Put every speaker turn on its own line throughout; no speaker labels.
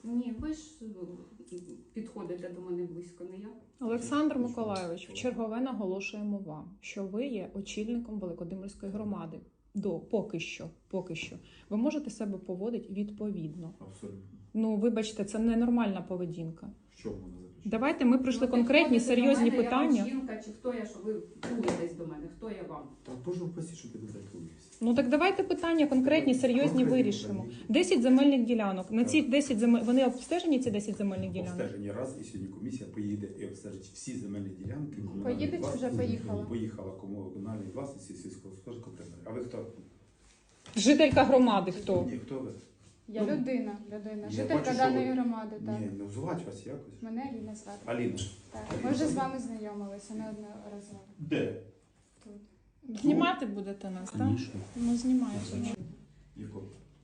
Ні, ви ж підходите до мене близько, не я.
Олександр Миколайович, вчергове наголошуємо вам, що ви є очільником Великодимирської громади. Поки що. Ви можете себе поводити відповідно.
Абсолютно.
Ну, вибачте, це ненормальна поведінка.
Що можна заключити?
Давайте ми прийшли конкретні, серйозні питання.
Я вам жінка, чи хто я, що ви плуєтесь до мене, хто я вам?
Та Боже упасі, що ти дотатуєшся.
Ну так давайте питання конкретні, серйозні
Конкретні
вирішимо.
питання.
10 земельних ділянок. На ці 10 вони обстежені, ці 10 земельних ділянок?
Обстежені раз, і сьогодні комісія поїде і обстежить всі земельні ділянки.
Поїде чи вже поїхала?
Поїхала комунальної власності, сільськогосподарського приміру. А ви хто?
Жителька громади хто?
Ні, хто ви?
Я людина,
Я
жителька
бачу, що
даної
ви-
громади, так.
Ні, ну звати вас якось.
Мене Аліна звати.
Аліна.
Так.
Аліна.
Ми вже з вами знайомилися неодноразово.
Де?
Тут.
Знімати будете нас, так? Ну, знімаєте.
Якого?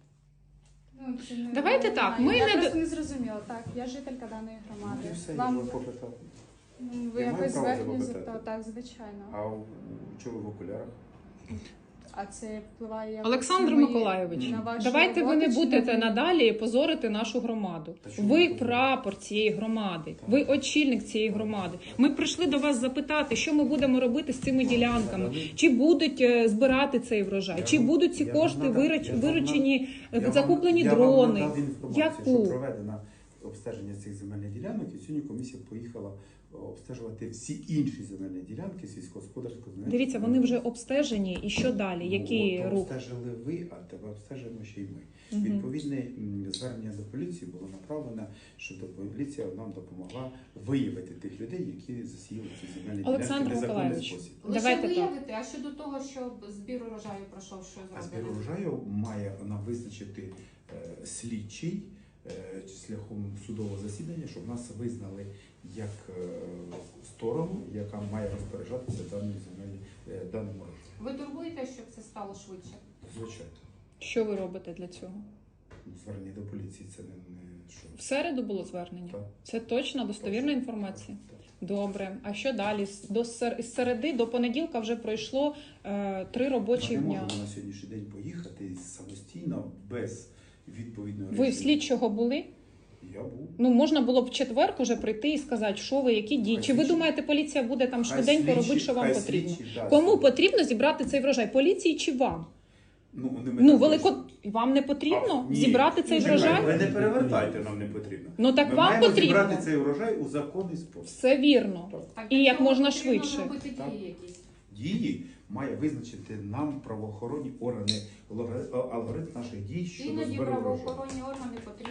Ну, це не-
Давайте
не
так,
знаю.
ми
я
не
просто не зрозуміла. Так, я жителька даної громади.
Ну, і все, я
Вам
вас попитав.
ви
Я маю
якось
право
зверхню
запитати?
запитали? Так, звичайно.
А чого ви в окулярах?
А це впливає якось
Олександр
на мої-
Миколайович,
на вашу
давайте ви не
роботу чи
будете
на-
надалі позорити нашу громаду.
Та чому
Ви
ви
прапор цієї громади,
Так.
ви очільник цієї громади. Ми прийшли до вас запитати, що ми будемо робити з цими ділянками. Чи будуть збирати цей врожай,
Я
чи
вам-
будуть ці
я вам
кошти
надав- я вам
виручені,
Я
закуплені
вам
дрони.
надав інформацію,
Яку?
що проведено обстеження цих земельних ділянок, і сьогодні комісія поїхала обстежувати всі інші земельні ділянки сільськогосподарського земельного.
Дивіться, вони вже обстежені. І що далі? Які
От,
рухи?
обстежили ви, а тебе обстежуємо ще й ми.
Мгм.
Відповідне звернення до поліції було направлено, щоб поліція нам допомогла виявити тих людей, які засіяли ці земельні
Олександр
ділянки в незаконний
Миколайович.
спосіб.
Лише
Давайте так.
виявити, а щодо того, що збір урожаю пройшов, що
А збір
зробили?
урожаю має нам визначити слідчий шляхом судового засідання, щоб нас визнали як сторону, яка має розпоряджатися даним урожаєм.
Ви турбуєте, щоб це стало швидше?
Звичайно.
Що ви робите для цього?
Звернення до поліції це не що.
В середу було звернення?
Так.
Це точна, достовірна інформація?
Так.
Добре. А що далі? З середи до понеділка вже пройшло 3 робочі
Я не
дня.
можу на сьогоднішній день поїхати самостійно, без відповідної
Ви в слідчого були?
Я був.
Ну, можна було б в четвер уже прийти і сказати, що ви, які дії.
Хай
Чи ви
слідчі-
думаєте, поліція буде там
Хай
швиденько
слідчі-
робити, що вам
хай
потрібно?
слідчі дасть.
Кому потрібно зібрати цей врожай? Поліції чи вам?
Ну,
Вам не потрібно
Ні.
зібрати цей
Чекайте,
врожай?
Ви не перевертайте, нам не потрібно.
Ну так
Ми
вам
маємо
потрібно.
зібрати цей урожай у законний спосіб.
Все вірно.
Так.
Так,
І
для
як
цього
можна
потрібно
швидше.
зробити
Так.
дії якісь.
Дії має визначити нам правоохоронні органи, алгоритм наших дій щодо
Іноді
збору урожаю.
правоохоронні органи потрібно